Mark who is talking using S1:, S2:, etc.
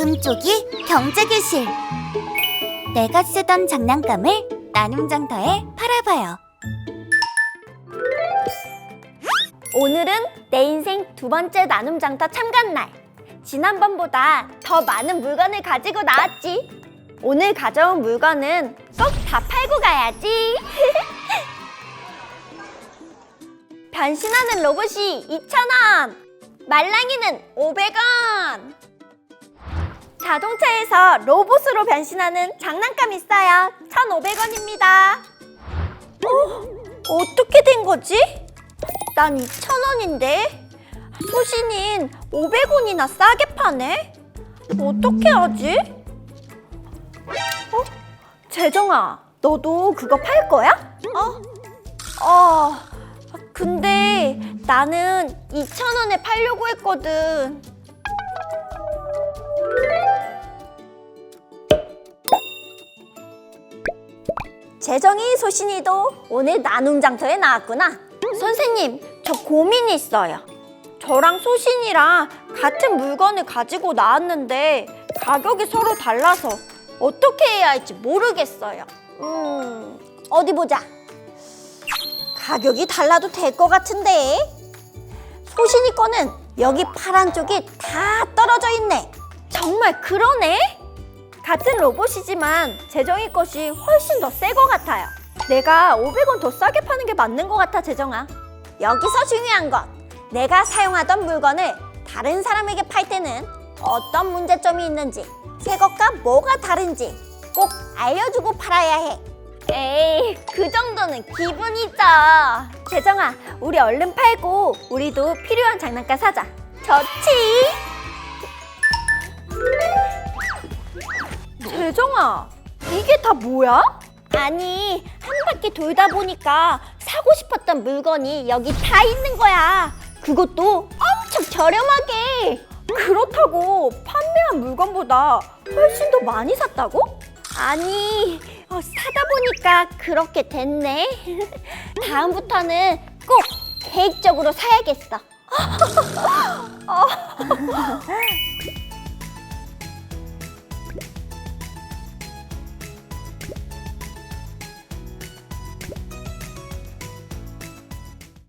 S1: 금쪽이 경제교실. 내가 쓰던 장난감을 나눔장터에 팔아봐요.
S2: 오늘은 내 인생 두 번째 나눔장터 참관 날. 지난번보다 더 많은 물건을 가지고 나왔지. 오늘 가져온 물건은 꼭 다 팔고 가야지. 변신하는 로봇이 2,000원, 말랑이는 500원. 자동차에서 로봇으로 변신하는 장난감 있어요. 1,500원입니다. 어떻게 된 거지? 난 2,000원인데 소신인 500원이나 싸게 파네? 어떻게 하지? 재정아, 너도 그거 팔 거야? 근데 나는 2,000원에 팔려고 했거든. 재정이, 소신이도 오늘 나눔장터에 나왔구나. 선생님, 저 고민이 있어요. 저랑 소신이랑 같은 물건을 가지고 나왔는데 가격이 서로 달라서 어떻게 해야 할지 모르겠어요. 어디 보자. 가격이 달라도 될 것 같은데. 소신이 거는 여기 파란 쪽이 다 떨어져 있네. 정말 그러네? 같은 로봇이지만 재정이 것이 훨씬 더 새 것 같아요. 내가 500원 더 싸게 파는 게 맞는 것 같아, 재정아. 여기서 중요한 건 내가 사용하던 물건을 다른 사람에게 팔 때는 어떤 문제점이 있는지, 새 것과 뭐가 다른지 꼭 알려주고 팔아야 해. 에이, 그 정도는 기분이죠. 재정아, 우리 얼른 팔고 우리도 필요한 장난감 사자. 좋지? 재정아, 이게 다 뭐야? 아니, 한 바퀴 돌다 보니까 사고 싶었던 물건이 여기 다 있는 거야. 그것도 엄청 저렴하게. 그렇다고 판매한 물건보다 훨씬 더 많이 샀다고? 아니, 사다 보니까 그렇게 됐네. 다음부터는 꼭 계획적으로 사야겠어.